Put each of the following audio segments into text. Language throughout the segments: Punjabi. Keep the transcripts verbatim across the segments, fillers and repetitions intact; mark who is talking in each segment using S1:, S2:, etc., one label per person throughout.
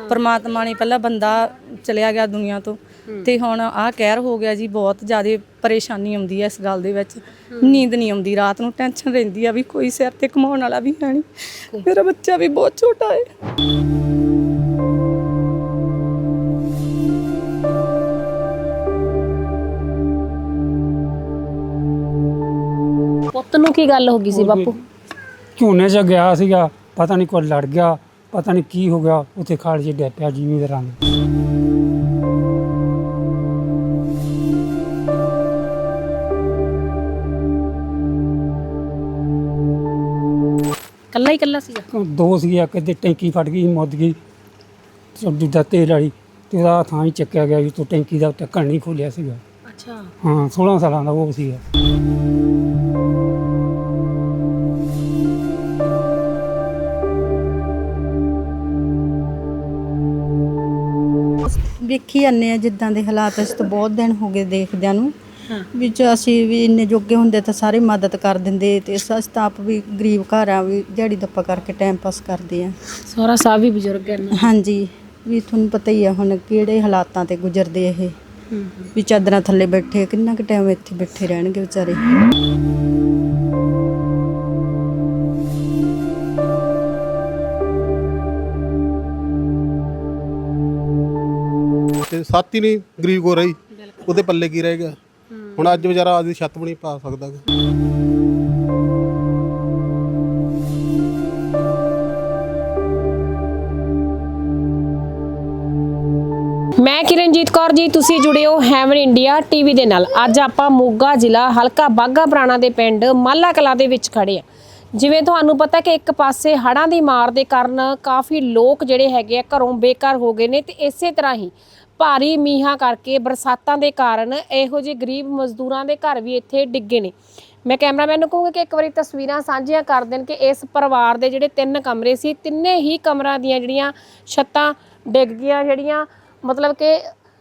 S1: परमात्मा ने पहला बंदा चलिया गया दुनिया तो ते हुण आ कहर हो गया जी। बहुत ज़्यादा परेशानी आउंदी है इस गल दे विच। नींद नहीं आउंदी रात नूं, टेंशन रहिंदी आ भी कोई सिर ते कमाउण वाला भी है नहीं। मेरा बच्चा भी बहुत छोटा है।
S2: ਪੁੱਤ ਨੂੰ ਕੀ ਗੱਲ ਹੋ ਗਈ ਸੀ ਬਾਪੂ?
S3: ਝੋਨੇ 'ਚ ਗਿਆ ਸੀਗਾ, ਪਤਾ ਨਹੀਂ ਕੋਈ ਲੜ ਗਿਆ, ਪਤਾ ਨਹੀਂ ਕੀ ਹੋ ਗਿਆ, ਉੱਥੇ ਖਾਲ 'ਚ ਡਿੱਗ ਪਿਆ ਜ਼ਿਮੀਂਦਾਰਾਂ ਦੇ।
S2: ਕੱਲਾ ਹੀ ਕੱਲਾ ਸੀਗਾ?
S3: ਦੋ ਸੀਗੇ, ਕਿਤੇ ਟੈਂਕੀ ਫਟ ਗਈ, ਮੁੱਦ ਗਈ ਦੂਜਾ ਤੇਲ ਵਾਲੀ, ਤੇ ਉਹਦਾ ਥਾਂ ਹੀ ਚੱਕਿਆ ਗਿਆ ਜੀ। ਤੋਂ ਟੈਂਕੀ ਦਾ ਢੱਕਣ ਨਹੀਂ ਖੋਲਿਆ ਸੀਗਾ।
S2: ਅੱਛਾ।
S3: ਹਾਂ, ਸੋਲਾਂ ਸਾਲਾਂ ਦਾ ਉਹ ਸੀਗਾ।
S4: ਵੇਖੀ ਜਾਂਦੇ ਆ ਜਿੱਦਾਂ ਦੇ ਹਾਲਾਤ। ਅਸੀਂ ਤਾਂ ਬਹੁਤ ਦਿਨ ਹੋ ਗਏ ਦੇਖਦਿਆਂ ਨੂੰ ਵਿੱਚ। ਅਸੀਂ ਵੀ ਇੰਨੇ ਜੋਗੇ ਹੁੰਦੇ ਤਾਂ ਸਾਰੇ ਮਦਦ ਕਰ ਦਿੰਦੇ, ਤੇ ਅਸੀਂ ਤਾਂ ਆਪ ਵੀ ਗਰੀਬ ਘਰ ਆ, ਵੀ ਦਿਹਾੜੀ ਦੱਪਾ ਕਰਕੇ ਟਾਈਮ ਪਾਸ ਕਰਦੇ ਆ।
S2: ਸਹੁਰਾ ਸਾਹਿਬ ਵੀ ਬਜ਼ੁਰਗ ਹੈ ਨਾ?
S4: ਹਾਂਜੀ, ਵੀ ਤੁਹਾਨੂੰ ਪਤਾ ਹੀ ਆ ਹੁਣ ਕਿਹੜੇ ਹਾਲਾਤਾਂ ਤੇ ਗੁਜ਼ਰਦੇ ਇਹ। ਵੀ ਚਾਦਰਾਂ ਥੱਲੇ ਬੈਠੇ, ਕਿੰਨਾ ਕੁ ਟਾਈਮ ਇੱਥੇ ਬੈਠੇ ਰਹਿਣਗੇ ਵਿਚਾਰੇ।
S5: ਤੇ ਸਾਥੀ ਨਹੀਂ ਗਰੀਬ ਕੋ ਰਹੀ, ਉਹਦੇ ਪੱਲੇ ਕੀ ਰਹਿ ਗਿਆ ਹੁਣ? ਅੱਜ ਵਿਚਾਰਾ ਆਪਦੀ ਛੱਤ ਵੀ ਨਹੀਂ ਪਾ ਸਕਦਾ।
S2: ਮੈਂ ਕਿਰਨਜੀਤ ਕੌਰ ਜੀ, ਤੁਸੀਂ ਜੁੜੇ ਹੋ ਹੈਵਨ ਇੰਡੀਆ ਟੀਵੀ ਦੇ ਨਾਲ। ਅੱਜ ਆਪਾਂ ਮੋਗਾ ਜ਼ਿਲ੍ਹਾ ਹਲਕਾ ਬਾਘਾ ਪੁਰਾਣਾ ਦੇ ਪਿੰਡ ਮਾਲਾ ਕਲਾਂ ਦੇ ਵਿੱਚ ਖੜੇ ਆ। ਜਿਵੇਂ ਤੁਹਾਨੂੰ ਪਤਾ ਕਿ ਇੱਕ ਪਾਸੇ ਹੜ੍ਹਾਂ ਦੀ ਮਾਰ ਦੇ ਕਾਰਨ ਕਾਫੀ ਲੋਕ ਜਿਹੜੇ ਹੈਗੇ ਆ ਘਰੋਂ ਬੇਘਰ ਹੋ ਗਏ ਨੇ, ਤੇ ਇਸੇ ਤਰ੍ਹਾਂ ਹੀ ਭਾਰੀ ਮੀਂਹਾਂ ਕਰਕੇ ਬਰਸਾਤਾਂ ਦੇ ਕਾਰਨ ਇਹੋ ਜਿਹੇ ਗਰੀਬ ਮਜ਼ਦੂਰਾਂ ਦੇ ਘਰ ਵੀ ਇੱਥੇ ਡਿੱਗੇ ਨੇ। ਮੈਂ ਕੈਮਰਾਮੈਨ ਨੂੰ ਕਹੂੰਗੀ ਕਿ ਇੱਕ ਵਾਰੀ ਤਸਵੀਰਾਂ ਸਾਂਝੀਆਂ ਕਰ ਦੇਣ ਕਿ ਇਸ ਪਰਿਵਾਰ ਦੇ ਜਿਹੜੇ ਤਿੰਨ ਕਮਰੇ ਸੀ, ਤਿੰਨੇ ਹੀ ਕਮਰਿਆਂ ਦੀਆਂ ਜਿਹੜੀਆਂ ਛੱਤਾਂ ਡਿੱਗ ਗਈਆਂ। ਜਿਹੜੀਆਂ ਮਤਲਬ ਕਿ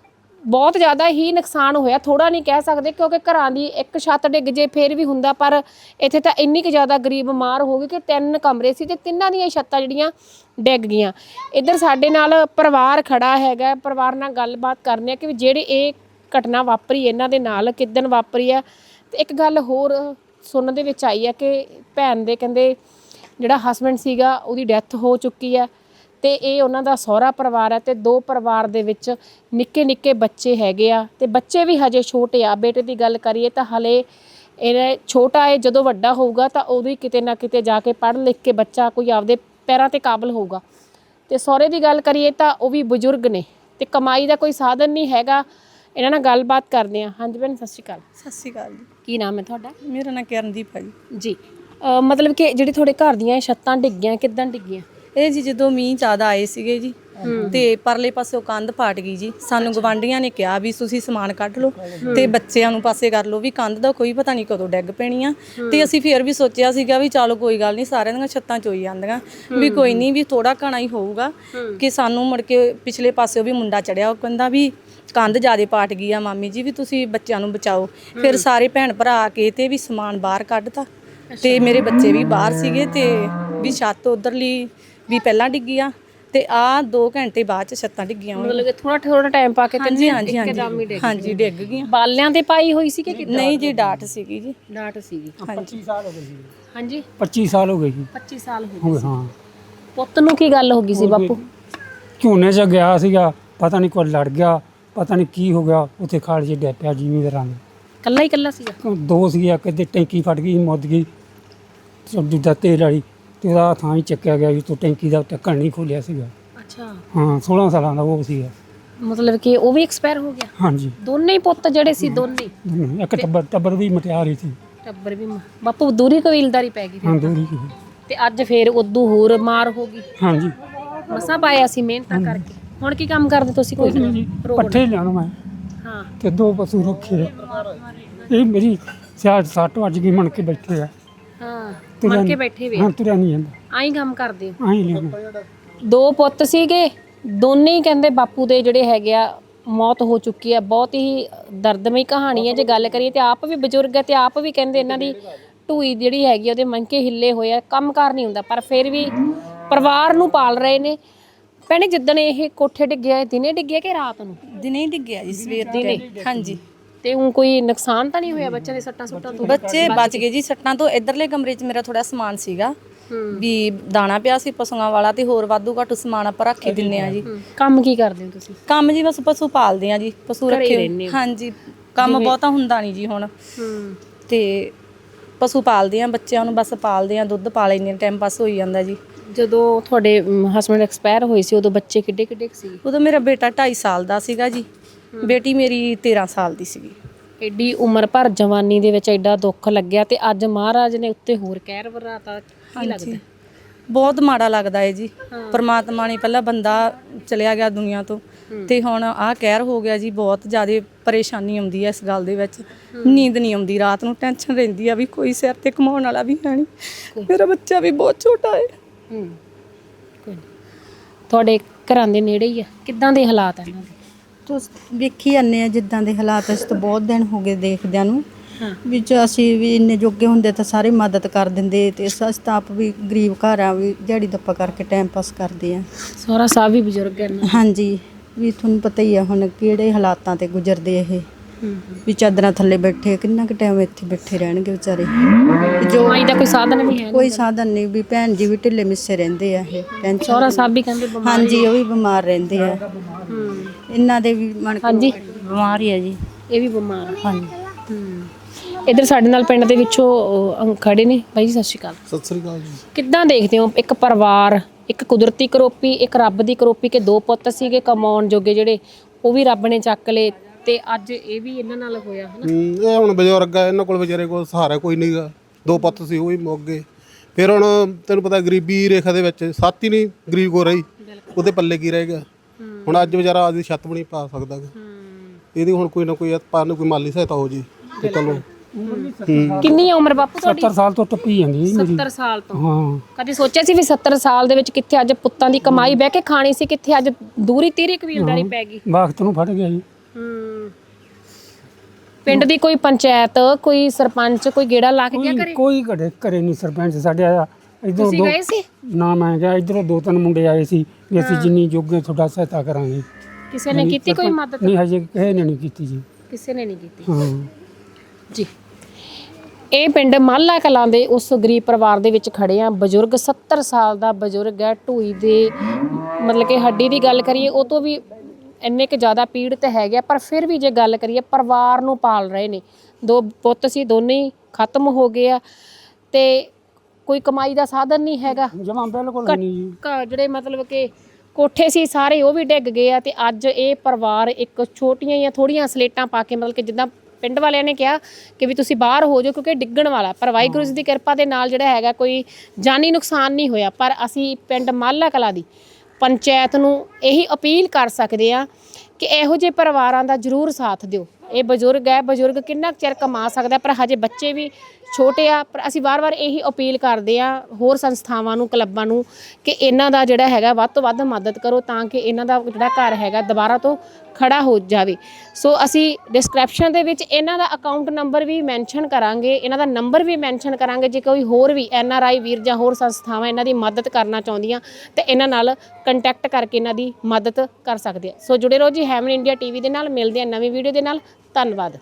S2: ਬਹੁਤ ਜ਼ਿਆਦਾ ਹੀ ਨੁਕਸਾਨ ਹੋਇਆ, ਥੋੜਾ ਨਹੀਂ ਕਹਿ ਸਕਦੇ, ਕਿਉਂਕਿ ਘਰਾਂ ਦੀ ਇੱਕ ਛੱਤ ਡਿੱਗ ਜੇ ਫਿਰ ਵੀ ਹੁੰਦਾ, ਪਰ ਇੱਥੇ ਤਾਂ ਇੰਨੀ ਕੁ ਜ਼ਿਆਦਾ ਗਰੀਬ ਮਾਰ ਹੋ ਗਈ ਕਿ ਤਿੰਨ ਕਮਰੇ ਸੀ ਤੇ ਤਿੰਨਾਂ ਦੀਆਂ ਛੱਤਾਂ ਜਿਹੜੀਆਂ ਡਿੱਗ ਗਈਆਂ। ਇੱਧਰ ਸਾਡੇ ਨਾਲ ਪਰਿਵਾਰ ਖੜਾ ਹੈਗਾ, ਪਰਿਵਾਰ ਨਾਲ ਗੱਲਬਾਤ ਕਰਨੀ ਆ ਕਿ ਜਿਹੜੀ ਇਹ ਘਟਨਾ ਵਾਪਰੀ ਇਹਨਾਂ ਦੇ ਨਾਲ ਕਿੱਦਣ ਵਾਪਰੀ ਆ। ਤੇ ਇੱਕ ਗੱਲ ਹੋਰ ਸੁਣਨ ਦੇ ਵਿੱਚ ਆਈ ਹੈ ਕਿ ਭੈਣ ਦੇ ਕਹਿੰਦੇ ਜਿਹੜਾ ਹਸਬੈਂਡ ਸੀਗਾ ਉਹਦੀ ਡੈਥ ਹੋ ਚੁੱਕੀ ਹੈ, ਤੇ ਇਹ ਉਹਨਾਂ ਦਾ ਸਹੁਰਾ ਪਰਿਵਾਰ ਹੈ, ਤੇ ਦੋ ਪਰਿਵਾਰ ਦੇ ਵਿੱਚ ਨਿੱਕੇ ਨਿੱਕੇ ਬੱਚੇ ਹੈਗੇ ਆ, ਤੇ ਬੱਚੇ ਵੀ ਹਜੇ ਛੋਟੇ ਆ। ਬੇਟੇ ਦੀ ਗੱਲ ਕਰੀਏ ਤਾਂ ਹਲੇ ਇਹ ਛੋਟਾ ਹੈ, ਜਦੋਂ ਵੱਡਾ ਹੋਊਗਾ ਤਾਂ ਉਦੋਂ ਹੀ ਕਿਤੇ ਨਾ ਕਿਤੇ ਜਾ ਕੇ ਪੜ੍ਹ ਲਿਖ ਕੇ ਬੱਚਾ ਕੋਈ ਆਪਦੇ ਪੈਰਾਂ ਤੇ ਕਾਬਲ ਹੋਊਗਾ। ਤੇ ਸਹੁਰੇ ਦੀ ਗੱਲ ਕਰੀਏ ਤਾਂ ਉਹ ਵੀ ਬਜ਼ੁਰਗ ਨੇ, ਤੇ ਕਮਾਈ ਦਾ ਕੋਈ ਸਾਧਨ ਨਹੀਂ ਹੈਗਾ। ਇਹਨਾਂ ਨਾਲ ਗੱਲਬਾਤ ਕਰਦੇ ਹਾਂ। ਹਾਂਜੀ ਭੈਣ, ਸਤਿ ਸ਼੍ਰੀ ਅਕਾਲ।
S1: ਸਤਿ ਸ਼੍ਰੀ ਅਕਾਲ ਜੀ।
S2: ਕੀ ਨਾਮ ਹੈ ਤੁਹਾਡਾ?
S1: ਮੇਰਾ ਨਾਂ ਕਿਰਨਦੀਪ ਹੈ ਜੀ।
S2: ਜੀ, ਮਤਲਬ ਕਿ ਜਿਹੜੀ ਤੁਹਾਡੇ ਘਰ ਦੀਆਂ ਛੱਤਾਂ ਡਿੱਗੀਆਂ, ਕਿੱਦਾਂ ਡਿੱਗੀਆਂ?
S1: ਇਹ ਜੀ ਜਦੋਂ ਮੀਂਹ ਜ਼ਿਆਦਾ ਆਏ ਸੀਗੇ ਜੀ, ਤੇ ਪਰਲੇ ਪਾਸੋਂ ਕੰਧ ਪਾਟ ਗਈ ਜੀ। ਸਾਨੂੰ ਗਵਾਂਢੀਆਂ ਨੇ ਕਿਹਾ ਵੀ ਤੁਸੀਂ ਸਮਾਨ ਕੱਢ ਲਓ ਤੇ ਬੱਚਿਆਂ ਨੂੰ ਪਾਸੇ ਕਰ ਲਓ, ਵੀ ਕੰਧ ਦਾ ਕੋਈ ਪਤਾ ਨਹੀਂ ਕਦੋਂ ਡਿੱਗ ਪੈਣੀ ਆ। ਤੇ ਅਸੀਂ ਫਿਰ ਵੀ ਸੋਚਿਆ ਸੀਗਾ ਵੀ ਚਲੋ ਕੋਈ ਗੱਲ ਨਹੀਂ, ਸਾਰਿਆਂ ਦੀਆਂ ਛੱਤਾਂ ਚੋਈ ਜਾਂਦੀਆਂ, ਵੀ ਕੋਈ ਨਹੀਂ, ਵੀ ਥੋੜਾ ਘਣਾ ਹੀ ਹੋਊਗਾ। ਕਿ ਸਾਨੂੰ ਮੁੜ ਕੇ ਪਿਛਲੇ ਪਾਸੇ ਵੀ ਮੁੰਡਾ ਚੜਿਆ, ਉਹ ਕਹਿੰਦਾ ਵੀ ਕੰਧ ਜ਼ਿਆਦਾ ਪਾਟ ਗਈ ਆ ਮਾਮੀ ਜੀ, ਵੀ ਤੁਸੀਂ ਬੱਚਿਆਂ ਨੂੰ ਬਚਾਓ। ਫਿਰ ਸਾਰੇ ਭੈਣ ਭਰਾ ਆ ਕੇ ਤੇ ਵੀ ਸਮਾਨ ਬਾਹਰ ਕੱਢਤਾ, ਤੇ ਮੇਰੇ ਬੱਚੇ ਵੀ ਬਾਹਰ ਸੀਗੇ, ਤੇ ਵੀ ਛੱਤ ਉਧਰਲੀ ਵੀ ਪਹਿਲਾਂ ਡਿੱਗੀ ਆ, ਤੇ ਆ ਦੋ ਘੰਟੇ ਬਾਅਦ ਚ ਛੱਤਾਂ ਡਿੱਗੀਆਂ।
S2: ਮਤਲਬ ਕਿ ਥੋੜਾ ਥੋੜਾ ਟਾਈਮ ਪਾ ਕੇ
S1: ਹਾਂਜੀ ਹਾਂਜੀ ਹਾਂਜੀ ਹਾਂਜੀ ਡਿੱਗ ਗਈਆਂ।
S2: ਬਾਲਿਆਂ ਤੇ ਪਾਈ ਹੋਈ ਸੀ ਕਿ ਕਿੱਦਾਂ?
S1: ਨਹੀਂ ਜੀ, ਡਾਟ ਸੀਗੀ ਜੀ।
S2: ਡਾਟ ਸੀਗੀ।
S3: ਪੱਚੀ ਸਾਲ ਹੋ ਗਏ ਸੀ।
S2: ਹਾਂਜੀ,
S3: ਪੱਚੀ ਸਾਲ ਹੋ ਗਏ ਜੀ।
S2: ਪੱਚੀ ਸਾਲ ਹੋ
S3: ਹੋ
S2: ਗਏ
S3: ਗਏ, ਹਾਂ।
S2: ਪੁੱਤ ਨੂੰ ਕੀ ਗੱਲ ਹੋ ਗਈ ਸੀ ਬਾਪੂ?
S3: ਝੋਨੇ 'ਚ ਗਿਆ ਸੀਗਾ, ਪਤਾ ਨਹੀਂ ਕੋਈ ਲੜ ਗਿਆ, ਪਤਾ ਨਹੀਂ ਕੀ ਹੋ ਗਿਆ, ਉੱਥੇ ਖਾਲ 'ਚ ਡਿੱਗ ਪਿਆ ਜ਼ਿਮੀਂਦਾਰਾਂ ਦੇ।
S2: ਕੱਲਾ ਹੀ ਕੱਲਾ ਸੀਗਾ?
S3: ਦੋ ਸੀਗੇ, ਕਿਤੇ ਟੈਂਕੀ ਫਟ ਗਈ, ਮੁੱਦ ਗਈ ਦੂਜਾ ਤੇਲ ਵਾਲੀ, ਤੇ ਉਹਦਾ ਥਾਂ ਹੀ ਚੱਕਿਆ ਗਿਆ ਜੀ। ਤੋਂ ਟੈਂਕੀ ਦਾ ਢੱਕਣ ਨਹੀਂ ਖੋਲਿਆ ਸੀਗਾ।
S2: ਅੱਛਾ।
S3: ਹਾਂ, ਸੋਲਾਂ ਸਾਲਾਂ ਦਾ ਉਹ ਸੀਗਾ।
S2: ਮਤਲਬ ਕਿ ਉਹ ਵੀ ਐਕਸਪਾਇਰ ਹੋ ਗਿਆ?
S3: ਹਾਂਜੀ,
S2: ਦੋਨੇ ਹੀ ਪੁੱਤ ਜਿਹੜੇ ਸੀ, ਦੋਨੇ?
S3: ਇੱਕ ਟੱਬਰ ਟੱਬਰ ਵੀ ਮਟਿਆਰ ਹੀ ਸੀ।
S2: ਟੱਬਰ ਵੀ? ਬਾਪੂ ਦੂਰੀ ਕਬੀਲਦਾਰੀ ਪੈ ਗਈ
S3: ਹਾਂ, ਦੂਰੀ ਸੀ।
S2: ਤੇ ਅੱਜ ਫੇਰ ਉਦੋਂ ਹੋਰ ਮਾਰ ਹੋ ਗਈ?
S3: ਹਾਂਜੀ,
S2: ਮਸਾਂ ਪਾਇਆ ਸੀ ਮਿਹਨਤਾਂ ਕਰਕੇ। ਹੁਣ ਕੀ ਕੰਮ ਕਰਦੇ ਤੁਸੀਂ? ਕੋਈ ਨਹੀਂ,
S3: ਪੱਠੇ ਲਿਆਉਣਾ ਮੈਂ।
S2: ਹਾਂ।
S3: ਤੇ ਦੋ ਪਸ਼ੂ ਰੱਖੇ ਆ। ਇਹ ਮੇਰੀ ਸਿਆੜ ਸੱਟ ਵੱਜ ਗਈ, ਮਣ ਕੇ ਬੈਠੇ ਆ।
S2: ਹਾਂ, ਮਣ ਕੇ ਬੈਠੇ ਵੇ?
S3: ਹਾਂ, ਤੁਰਿਆ ਨਹੀਂ ਜਾਂਦਾ।
S2: ਆਈ ਕੰਮ ਕਰਦੇ ਹੋ?
S3: ਆਈ ਲਿਆ।
S2: ਦੋ ਪੁੱਤ ਸੀਗੇ, ਦੋਨੇ ਹੀ ਕਹਿੰਦੇ ਬਾਪੂ ਦੇ ਜਿਹੜੇ ਹੈਗੇ ਆ ਮੌਤ ਹੋ ਚੁੱਕੀ ਆ। ਬਹੁਤ ਹੀ ਦਰਦਮਈ ਕਹਾਣੀ ਹੈ ਜੇ ਗੱਲ ਕਰੀਏ। ਤੇ ਆਪ ਵੀ ਬਜ਼ੁਰਗ ਹੈ, ਤੇ ਆਪ ਵੀ ਕਹਿੰਦੇ ਇਹਨਾਂ ਦੀ ਢੂਈ ਜਿਹੜੀ ਹੈਗੀ ਉਹਦੇ ਮੰਕੇ ਹਿੱਲੇ ਹੋਏ ਆ, ਕੰਮ ਕਾਰ ਨਹੀਂ ਹੁੰਦਾ, ਪਰ ਫਿਰ ਵੀ ਪਰਿਵਾਰ ਨੂੰ ਪਾਲ ਰਹੇ ਨੇ। ਭੈਣੇ ਜਿੱਦਣ ਇਹ ਕੋਠੇ ਡਿੱਗਿਆ ਇਹ ਦਿਨੇ ਡਿੱਗਿਆ ਕਿ ਰਾਤ ਨੂੰ?
S1: ਦਿਨੇ ਹੀ ਡਿੱਗਿਆ ਜੀ, ਸਵੇਰ ਦੇ time। ਹਾਂਜੀ।
S2: ਤੇ ਉਹ ਕੋਈ ਨੁਕਸਾਨ ਤਾਂ ਨਹੀਂ ਹੋਇਆ ਬੱਚਿਆਂ ਦੇ ਸੱਟਾਂ ਸੁੱਟਾਂ ਤੋਂ?
S1: ਬੱਚੇ ਬਚ ਗਏ ਜੀ ਸੱਟਾਂ ਤੋਂ। ਇਧਰਲੇ ਕਮਰੇ 'ਚ ਮੇਰਾ ਥੋੜਾ ਸਮਾਨ ਸੀਗਾ ਵੀ ਦਾਣਾ ਪਿਆ ਸੀ ਪਸ਼ੂਆਂ ਵਾਲਾ, ਤੇ ਹੋਰ ਵਾਧੂ ਘੱਟ ਸਮਾਨ ਆਪਾਂ ਰੱਖ ਹੀ ਦਿੰਨੇ ਆ ਜੀ।
S2: ਕੰਮ ਕੀ ਕਰਦੇ ਹੋ ਤੁਸੀਂ?
S1: ਕੰਮ ਜੀ ਬਸ ਪਸ਼ੂ ਪਾਲਦੇ ਆ ਜੀ, ਪਸ਼ੂ ਰੱਖੇ ਹੋਏ। ਹਾਂਜੀ, ਕੰਮ ਬਹੁਤਾ ਹੁੰਦਾ ਨਹੀਂ ਜੀ ਹੁਣ। ਤੇ ਪਸ਼ੂ ਪਾਲਦੇ ਆ, ਬੱਚਿਆਂ ਨੂੰ ਬਸ ਪਾਲਦੇ ਆ, ਦੁੱਧ ਪਾ ਲੈਂਦੇ ਆ, ਟਾਈਮ ਪਾਸ ਹੋਈ ਜਾਂਦਾ ਜੀ।
S2: ਜਦੋਂ ਤੁਹਾਡੇ ਹਸਬੰਡ ਐਕਸਪਾਇਰ ਹੋਏ ਸੀ ਉਦੋਂ ਬੱਚੇ ਕਿੱਡੇ ਕਿੱਡੇ ਸੀ?
S1: ਉਦੋਂ ਮੇਰਾ ਬੇਟਾ ਢਾਈ ਸਾਲ ਦਾ ਸੀਗਾ ਜੀ, ਬੇਟੀ ਮੇਰੀ ਤੇਰਾਂ ਸਾਲ ਦੀ ਸੀਗੀ।
S2: ਐਡੀ ਉਮਰ ਭਰ ਜਵਾਨੀ ਦੇ ਵਿੱਚ ਐਡਾ ਦੁੱਖ ਲੱਗਿਆ ਤੇ ਅੱਜ ਮਹਾਰਾਜ ਨੇ ਉੱਤੇ ਹੋਰ ਕਹਿਰ ਵਰਾਤਾ, ਕੀ ਲੱਗਦਾ?
S1: ਬਹੁਤ ਮਾੜਾ ਲੱਗਦਾ ਹੈ ਜੀ। ਪਰਮਾਤਮਾ ਨੇ ਪਹਿਲਾਂ ਬੰਦਾ ਚਲਿਆ ਗਿਆ ਦੁਨੀਆ ਤੋਂ, ਤੇ ਹੁਣ ਆਹ ਕਹਿਰ ਹੋ ਗਿਆ ਜੀ। ਬਹੁਤ ਜ਼ਿਆਦਾ ਪਰੇਸ਼ਾਨੀ ਆਉਂਦੀ ਹੈ ਇਸ ਗੱਲ ਦੇ ਵਿੱਚ। ਨੀਂਦ ਨਹੀਂ ਆਉਂਦੀ ਰਾਤ ਨੂੰ, ਟੈਨਸ਼ਨ ਰਹਿੰਦੀ ਆ ਵੀ ਕੋਈ ਸਿਰ ਤੇ ਕਮਾਉਣ ਵਾਲਾ ਵੀ ਹੈ ਨਹੀਂ, ਮੇਰਾ ਬੱਚਾ ਵੀ ਬਹੁਤ ਛੋਟਾ ਹੈ।
S2: ਹੂੰ, ਕੋਈ ਨਹੀਂ। ਤੁਹਾਡੇ ਘਰਾਂ ਦੇ ਨੇੜੇ ਹੀ ਆ, ਕਿੱਦਾਂ ਦੇ ਹਾਲਾਤ ਆ ਇਹਨਾਂ ਦੇ?
S4: ਤੁਸੀਂ ਵੇਖੀ ਜਾਂਦੇ ਆ ਜਿੱਦਾਂ ਦੇ ਹਾਲਾਤ, ਅਸੀਂ ਤਾਂ ਬਹੁਤ ਦਿਨ ਹੋ ਗਏ ਦੇਖਦਿਆਂ ਨੂੰ। ਵਿੱਚ ਅਸੀਂ ਵੀ ਇੰਨੇ ਜੋਗੇ ਹੁੰਦੇ ਤਾਂ ਸਾਰੇ ਮਦਦ ਕਰ ਦਿੰਦੇ, ਤੇ ਅਸੀਂ ਤਾਂ ਆਪ ਵੀ ਗਰੀਬ ਘਰ ਆ, ਵੀ ਦਿਹਾੜੀ ਦੱਪਾ ਕਰਕੇ ਟਾਈਮ ਪਾਸ ਕਰਦੇ ਆ।
S2: ਸਹੁਰਾ ਸਾਹਿਬ ਵੀ ਬਜ਼ੁਰਗ ਹਨ?
S4: ਹਾਂਜੀ, ਵੀ ਤੁਹਾਨੂੰ ਪਤਾ ਹੀ ਆ ਹੁਣ ਕਿਹੜੇ ਹਾਲਾਤਾਂ ਤੇ ਗੁਜ਼ਰਦੇ ਇਹ। ਵੀ ਚਾਦਰਾਂ ਥੱਲੇ ਬੈਠੇ, ਕਿੰਨਾ ਕੁ ਟਾਈਮ ਇੱਥੇ ਬੈਠੇ ਰਹਿਣਗੇ ਵਿਚਾਰੇ। ਜੋ
S2: ਕਮਾਈ ਦਾ ਕੋਈ ਸਾਧਨ ਵੀ ਹੈ?
S4: ਕੋਈ ਸਾਧਨ ਨਹੀਂ, ਵੀ ਭੈਣ ਜੀ ਵੀ ਢਿੱਲੇ ਮਿੱਸੇ ਰਹਿੰਦੇ ਆ ਇਹ ਟੈਨਸ਼ਨ।
S2: ਸਹੁਰਾ ਸਾਹਿਬ ਵੀ ਕਹਿੰਦੇ ਬਿਮਾਰ?
S4: ਹਾਂਜੀ, ਉਹ ਵੀ ਬਿਮਾਰ ਰਹਿੰਦੇ ਆ। ਇਹਨਾਂ ਦੇ ਵੀ ਮਨ
S2: ਹਾਂਜੀ,
S1: ਬਿਮਾਰ ਹੀ ਆ ਜੀ।
S2: ਇਹ ਵੀ ਬਿਮਾਰ?
S1: ਹਾਂਜੀ।
S2: ਹੂੰ। ਇੱਧਰ ਸਾਡੇ ਨਾਲ ਪਿੰਡ ਦੇ ਵਿੱਚੋਂ ਅਹ, ਖੜੇ ਨੇ ਬਾਈ ਜੀ, ਸਤਿ ਸ਼੍ਰੀ ਅਕਾਲ।
S5: ਸਤਿ ਸ੍ਰੀ ਅਕਾਲ ਜੀ।
S2: ਕਿੱਦਾਂ ਦੇਖਦੇ ਹੋ ਇੱਕ ਪਰਿਵਾਰ, ਇੱਕ ਕੁਦਰਤੀ ਕਰੋਪੀ, ਇੱਕ ਰੱਬ ਦੀ ਕਰੋਪੀ, ਕਿ ਦੋ ਪੁੱਤ ਸੀਗੇ ਕਮਾਉਣ ਜੋਗੇ ਜਿਹੜੇ, ਉਹ ਵੀ ਰੱਬ ਨੇ ਚੱਕ ਲਏ, ਤੇ ਅੱਜ ਇਹ ਵੀ ਇਹਨਾਂ ਨਾਲ ਹੋਇਆ ਹਨਾ?
S5: ਹੂੰ, ਇਹ ਹੁਣ ਬਜ਼ੁਰਗ ਆ, ਇਹਨਾਂ ਕੋਲ ਵਿਚਾਰੇ ਕੋਲ ਸਹਾਰਾ ਕੋਈ ਨਹੀਂਗਾ। ਦੋ ਪੁੱਤ ਸੀ, ਉਹ ਵੀ ਮੁੱਕ ਗਏ। ਫਿਰ ਹੁਣ ਤੈਨੂੰ ਪਤਾ ਗਰੀਬੀ ਰੇਖਾ ਦੇ ਵਿੱਚ ਸੱਤ ਹੀ ਨਹੀਂ ਗਰੀਬ ਕੋ ਰਹੀ, ਉਹਦੇ ਪੱਲੇ ਕੀ ਰਹਿ ਗਿਆ। ਹੁਣ ਅੱਜ ਵਿਚਾਰਾ ਆਪਦੀ ਛੱਤ ਵੀ ਨਹੀਂ ਪਾ ਸਕਦਾ। ਇਹਦੀ ਹੁਣ ਕੋਈ ਨਾ ਕੋਈ ਆਪਾਂ ਨੂੰ ਕੋਈ ਮਾਲੀ ਸਹਾਇਤਾ ਹੋ ਜੀ ਤੇ ਚਲੋ।
S2: ਕਿੰਨੀ ਉਮਰ ਬਾਪੂ ਤੁਹਾਡੀ?
S3: ਸੱਤਰ ਸਾਲ ਤੋਂ ਟੱਪੀ ਜਾਂਦੀ ਜੀ ਮੇਰੀ।
S2: ਸੱਤਰ ਸਾਲ ਤੋਂ?
S3: ਹਾਂ।
S2: ਕਦੇ ਸੋਚਿਆ ਸੀ ਵੀ ਸੱਤਰ ਸਾਲ ਦੇ ਵਿੱਚ ਕਿੱਥੇ ਅੱਜ ਪੁੱਤਾਂ ਦੀ ਕਮਾਈ ਬਹਿ ਕੇ ਖਾਣੀ ਸੀ, ਕਿੱਥੇ ਅੱਜ ਦੂਰੀ ਤੀਰੀ ਕਬੀਲਦਾਰੀ ਪੈ ਗਈ?
S3: ਵਕਤ ਨੂੰ ਫੜ ਗਿਆ ਜੀ।
S2: ਹੂੰ। ਪਿੰਡ ਦੀ ਕੋਈ ਪੰਚਾਇਤ, ਕੋਈ ਸਰਪੰਚ, ਕੋਈ ਗੇੜਾ ਲਾ ਕੇ ਗਿਆ
S3: ਕੋਈ
S2: ਕਰੇ?
S3: ਕੋਈ ਘਰੇ ਘਰੇ ਨਹੀਂ ਸਰਪੰਚ ਸਾਡੇ ਆਇਆ। ਇਧਰੋਂ
S2: ਤੁਸੀਂ
S3: ਦੋ
S2: ਗਏ ਸੀ?
S3: ਨਾ ਮੈਂ ਗਿਆ, ਇਧਰੋਂ ਦੋ ਤਿੰਨ ਮੁੰਡੇ ਆਏ ਸੀ ਵੀ ਅਸੀਂ ਜਿੰਨੀ ਜੋਗੇ ਤੁਹਾਡਾ ਸਹਾਇਤਾ ਕਰਾਂਗੇ।
S2: ਕਿਸੇ ਨੇ ਕੀਤੀ ਕੋਈ ਮਦਦ?
S3: ਨਹੀਂ, ਹਜੇ ਕਿਸੇ ਨੇ ਨਹੀਂ ਕੀਤੀ ਜੀ।
S2: ਕਿਸੇ ਨੇ ਨਹੀਂ ਕੀਤੀ
S3: ਹਾਂ
S2: ਜੀ। ਇਹ ਪਿੰਡ ਮਾਲਾ ਕਲਾਂ ਦੇ ਉਸ ਗਰੀਬ ਪਰਿਵਾਰ ਦੇ ਵਿੱਚ ਖੜੇ ਆ। ਬਜ਼ੁਰਗ ਸੱਤਰ ਸਾਲ ਦਾ ਬਜ਼ੁਰਗ ਹੈ, ਢੂਈ ਦੇ ਮਤਲਬ ਕਿ ਹੱਡੀ ਦੀ ਗੱਲ ਕਰੀਏ ਉਹ ਤੋਂ ਵੀ ਇੰਨੇ ਕੁ ਜ਼ਿਆਦਾ ਪੀੜਤ ਹੈਗੇ, ਪਰ ਫਿਰ ਵੀ ਜੇ ਗੱਲ ਕਰੀਏ ਪਰਿਵਾਰ ਨੂੰ ਪਾਲ ਰਹੇ ਨੇ। ਦੋ ਪੁੱਤ ਸੀ, ਦੋਨੇ ਹੀ ਖਤਮ ਹੋ ਗਏ ਆ, ਤੇ ਕੋਈ ਕਮਾਈ ਦਾ ਸਾਧਨ ਨਹੀਂ ਹੈਗਾ।
S3: ਜਮਾ ਬਿਲਕੁਲ ਨਹੀਂ ਜੀ।
S2: ਘ- ਜਿਹੜੇ ਮਤਲਬ ਕਿ ਕੋਠੇ ਸੀ ਸਾਰੇ ਉਹ ਵੀ ਡਿੱਗ ਗਏ ਆ, ਤੇ ਅੱਜ ਇਹ ਪਰਿਵਾਰ ਇੱਕ ਛੋਟੀਆਂ ਜਾਂ ਥੋੜੀਆਂ ਸਲੇਟਾਂ ਪਾ ਕੇ, ਮਤਲਬ ਕਿ ਜਿੱਦਾਂ ਪਿੰਡ ਵਾਲਿਆਂ ਨੇ ਕਿਹਾ ਕਿ ਵੀ ਤੁਸੀਂ ਬਾਹਰ ਹੋ ਜਾਓ ਕਿਉਂਕਿ ਡਿੱਗਣ ਵਾਲਾ, ਪਰ ਵਾਹਿਗੁਰੂ ਜੀ ਦੀ ਕਿਰਪਾ ਦੇ ਨਾਲ ਜਿਹੜਾ ਹੈਗਾ ਕੋਈ ਜਾਨੀ ਨੁਕਸਾਨ ਨਹੀਂ ਹੋਇਆ। ਪਰ ਅਸੀਂ ਪਿੰਡ ਮਾਲਾ ਕਲਾਂ ਦੀ ਪੰਚਾਇਤ ਨੂੰ ਇਹੀ ਅਪੀਲ ਕਰ ਸਕਦੇ ਆ ਕਿ ਇਹੋ ਜਿਹੇ ਪਰਿਵਾਰਾਂ ਦਾ ਜ਼ਰੂਰ ਸਾਥ ਦਿਓ। ਇਹ ਬਜ਼ੁਰਗ ਹੈ, ਬਜ਼ੁਰਗ ਕਿੰਨਾ ਕੁ ਚਿਰ ਕਮਾ ਸਕਦਾ, ਪਰ ਹਜੇ ਬੱਚੇ ਵੀ ਛੋਟੇ ਆ। ਪਰ ਅਸੀਂ ਵਾਰ-ਵਾਰ ਇਹੀ ਅਪੀਲ ਕਰਦੇ ਆ ਹੋਰ ਸੰਸਥਾਵਾਂ ਨੂੰ, ਕਲੱਬਾਂ ਨੂੰ, ਕਿ ਇਹਨਾਂ ਦਾ ਜਿਹੜਾ ਹੈਗਾ ਵੱਧ ਤੋਂ ਵੱਧ ਮਦਦ ਕਰੋ ਤਾਂ ਕਿ ਇਹਨਾਂ ਦਾ ਜਿਹੜਾ ਘਰ ਹੈਗਾ ਦੁਬਾਰਾ ਤੋਂ ਖੜਾ ਹੋ ਜਾਵੇ। ਸੋ ਅਸੀਂ ਡਿਸਕ੍ਰਿਪਸ਼ਨ ਦੇ ਵਿੱਚ ਇਹਨਾਂ ਦਾ ਅਕਾਊਂਟ ਨੰਬਰ ਵੀ ਮੈਂਸ਼ਨ ਕਰਾਂਗੇ, ਇਹਨਾਂ ਦਾ ਨੰਬਰ ਵੀ ਮੈਂਸ਼ਨ ਕਰਾਂਗੇ। ਜੇ ਕੋਈ ਹੋਰ ਵੀ ਐਨ ਆਰ ਆਈ ਵੀਰ ਜਾਂ ਹੋਰ ਸੰਸਥਾਵਾਂ ਇਹਨਾਂ ਦੀ ਮਦਦ ਕਰਨਾ ਚਾਹੁੰਦੀਆਂ ਤੇ ਇਹਨਾਂ ਨਾਲ ਕੰਟੈਕਟ ਕਰਕੇ ਇਹਨਾਂ ਦੀ ਮਦਦ ਕਰ ਸਕਦੇ ਆ। ਸੋ ਜੁੜੇ ਰਹੋ ਜੀ ਹੈਵਨ ਇੰਡੀਆ ਟੀਵੀ ਦੇ ਨਾਲ। ਮਿਲਦੇ ਆ ਨਵੀਂ ਵੀਡੀਓ ਦੇ ਨਾਲ। ਧੰਨਵਾਦ।